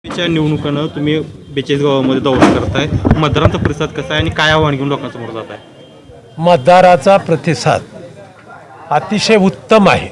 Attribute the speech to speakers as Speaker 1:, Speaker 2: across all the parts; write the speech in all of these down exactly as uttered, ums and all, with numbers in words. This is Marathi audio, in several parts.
Speaker 1: च्या निवडणुकांना तुम्ही बेचाळीस गावामध्ये दौरा करताय, मतदारांचा प्रतिसाद कसा आहे आणि काय आव्हान घेऊन लोकांसमोर जात आहे?
Speaker 2: मतदाराचा प्रतिसाद अतिशय उत्तम आहे.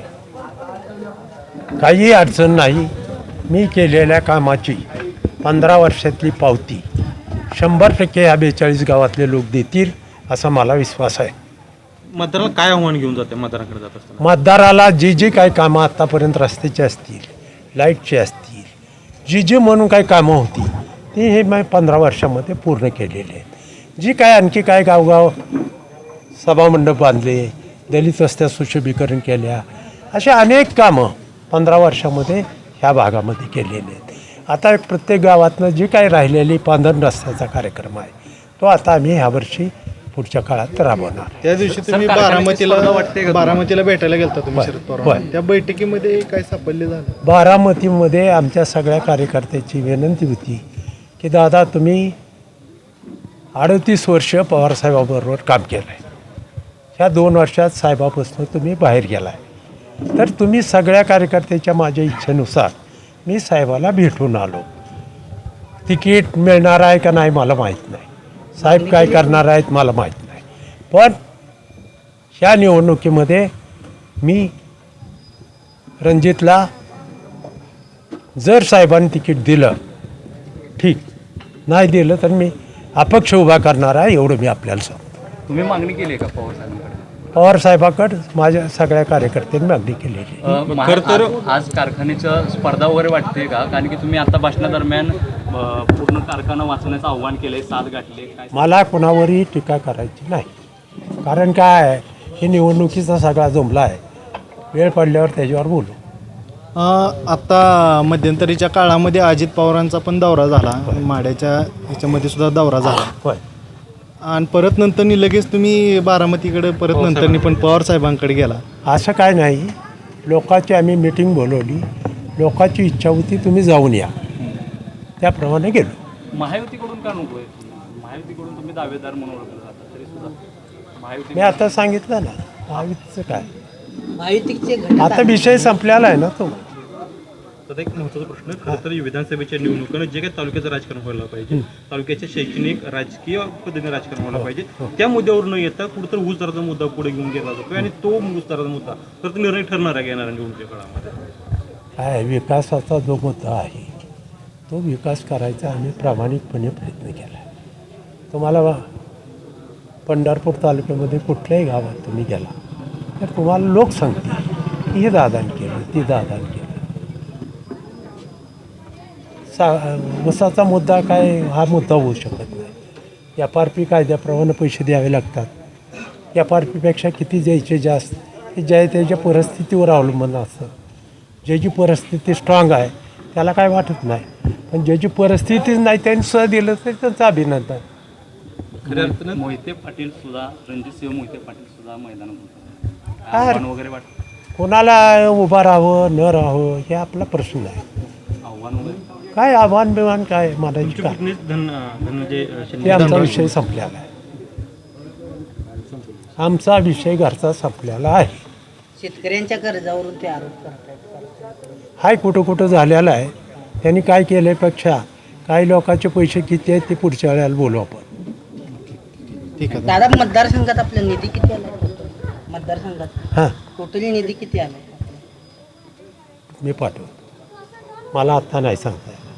Speaker 2: काही अडचण नाही. मी केलेल्या कामाची पंधरा वर्षातली पावती शंभर टक्के ह्या बेचाळीस गावातले लोक देतील असा मला विश्वास आहे.
Speaker 1: मतदाराला काय आव्हान घेऊन जाते मतदारांकडे जात असताना?
Speaker 2: मतदाराला जी जी काही कामं आत्तापर्यंत रस्त्याची असतील, लाईटची असतील, जी जी म्हणून काही कामं होती ती हे मी पंधरा वर्षामध्ये पूर्ण केलेली आहेत. जी काय आणखी काय गावगाव सभामंडप बांधले, दलित वस्त्या सुशोभीकरण केल्या, अशा अनेक कामं पंधरा वर्षामध्ये ह्या भागामध्ये केलेली आहेत. आता प्रत्येक गावातनं जी काही राहिलेली पांधरण रस्त्याचा कार्यक्रम आहे तो आता आम्ही ह्यावर्षी पुढच्या काळात राबवणार.
Speaker 3: त्या दिवशी तुम्ही बारामतीला बारामतीला भेटायला गेलता तुम्ही शरद पवार, त्या बैठकीमध्ये काय सापडले झालं?
Speaker 2: बारामतीमध्ये आमच्या सगळ्या कार्यकर्त्याची विनंती होती की दादा तुम्ही अडतीस वर्ष पवारसाहेबाबरोबर काम केलं आहे, ह्या दोन वर्षात साहेबापासून तुम्ही बाहेर गेला आहे, तर तुम्ही सगळ्या कार्यकर्त्याच्या माझ्या इच्छेनुसार मी साहेबाला भेटून आलो. तिकीट मिळणार आहे का नाही मला माहीत नाही, साहेब काय करणार आहेत मला माहीत नाही, पण ह्या निवडणुकीमध्ये मी रणजितला जर साहेबांनी तिकीट दिलं ठीक, नाही दिलं तर मी अपक्ष उभा करणार आहे, एवढं मी आपल्याला सांगतो.
Speaker 4: तुम्ही मागणी केली आहे का पवार साहेबांकडे?
Speaker 2: पवार साहेबाकडे माझ्या सगळ्या कार्यकर्त्यांनी मागणी केलेली आहे.
Speaker 4: खरं तर आज कारखान्याचं स्पर्धा वगैरे वाटते का? कारण की तुम्ही आता भाषणादरम्यान अ, पूर्ण कारखाना वाचवण्याचं आव्हान केलंय, साथ गाठले काय?
Speaker 2: मला कोणावरही टीका करायची नाही, कारण काय आहे, हे निवडणुकीचा सगळा जुमला आहे. वेळ पडल्यावर त्याच्यावर बोलू.
Speaker 3: अं, आता मध्यंतरीच्या काळामध्ये अजित पवारांचा पण दौरा झाला, माड्याच्या ह्याच्यामध्ये सुद्धा दौरा झाला,
Speaker 2: होय.
Speaker 3: आणि परत नंतरनी लगेच तुम्ही बारामतीकडे परत नंतरनी पण पवार साहेबांकडे गेला.
Speaker 2: असं काय नाही, लोकांची आम्ही मिटिंग बोलवली, लोकांची इच्छा होती तुम्ही जाऊन या, त्याप्रमाणे गेलो.
Speaker 4: महायुतीकडून का नको आहे? महायुतीकडून तुम्ही दावेदार म्हणून ओळखलं जाता तरी सुद्धा महायुती
Speaker 2: मी आता सांगितलं ना, महायुतीचं काय,
Speaker 5: महायुतीचे घटक
Speaker 2: आता विषय संपलेला आहे ना तो.
Speaker 1: तर एक महत्त्वाचा प्रश्न, खरं तर विधानसभेच्या निवडणुकांना जे काही तालुक्याचं राजकारण व्हायला पाहिजे, तालुक्याचे शैक्षणिक राजकीय पद्धतीने राजकारण व्हायला पाहिजे, त्या मुद्द्यावर न येता कुठंतरी ऊस दराचा मुद्दा पुढे घेऊन गेला जातो आणि तो ऊस दराचा मुद्दा खरं तर निर्णय ठरणार आहे येणाऱ्या निवडणुकीच्या काळामध्ये.
Speaker 2: काय विकासाचा जो मुद्दा आहे तो विकास करायचा आम्ही प्रामाणिकपणे प्रयत्न केला आहे. तुम्हाला पंढरपूर तालुक्यामध्ये कुठल्याही गावात तुम्ही गेला तर तुम्हाला लोक सांगतील की हे दादाने केलं, ती दादाने केलं. सा ऊसाचा मुद्दा काय हा मुद्दा होऊ शकत नाही. एफ आर पी कायद्याप्रमाणे पैसे द्यावे लागतात. एफ आर पीपेक्षा किती द्यायचे जास्त हे ज्या त्याच्या परिस्थितीवर अवलंबून असतं. ज्याची परिस्थिती स्ट्रॉंग आहे त्याला काय वाटत नाही, पण ज्याची परिस्थितीच नाही त्यांनी सुद्धा दिलं तर त्यांचं अभिनंदन.
Speaker 1: खऱ्या अर्थानं
Speaker 4: मोहिते पाटील सुद्धा, रणजितसिंह मोहिते पाटील सुद्धा मैदानात होते,
Speaker 2: काय?
Speaker 4: आव्हान वगैरे वाटतं?
Speaker 2: कोणाला उभं राहावं न राहावं हे आपला प्रश्न आहे.
Speaker 4: आव्हान वगैरे
Speaker 2: काय आव्हान बिव्हान काय म्हणायची
Speaker 1: तुमचे
Speaker 2: काय,
Speaker 1: पुतणीच धन धनंजय
Speaker 2: ते
Speaker 1: शिंदे
Speaker 2: आमचा विषय संपलेला आहे. आमचा विषय घरचा संपलेला आहे.
Speaker 5: शेतकऱ्यांच्या कर्जावरून ते आरोप करतात.
Speaker 2: हाय कुठं कुठं झालेला आहे. त्यांनी काय केल्यापेक्षा काही लोकांचे पैसे किती आहेत ते पुढच्या वेळेला बोलू आपण.
Speaker 3: ठीक आहे.
Speaker 5: दादा, मतदारसंघात आपला निधी किती आला? मतदारसंघात
Speaker 2: हां,
Speaker 5: टोटली निधी किती आला?
Speaker 2: मी पाठवतो, मला आत्ता नाही सांगता येत.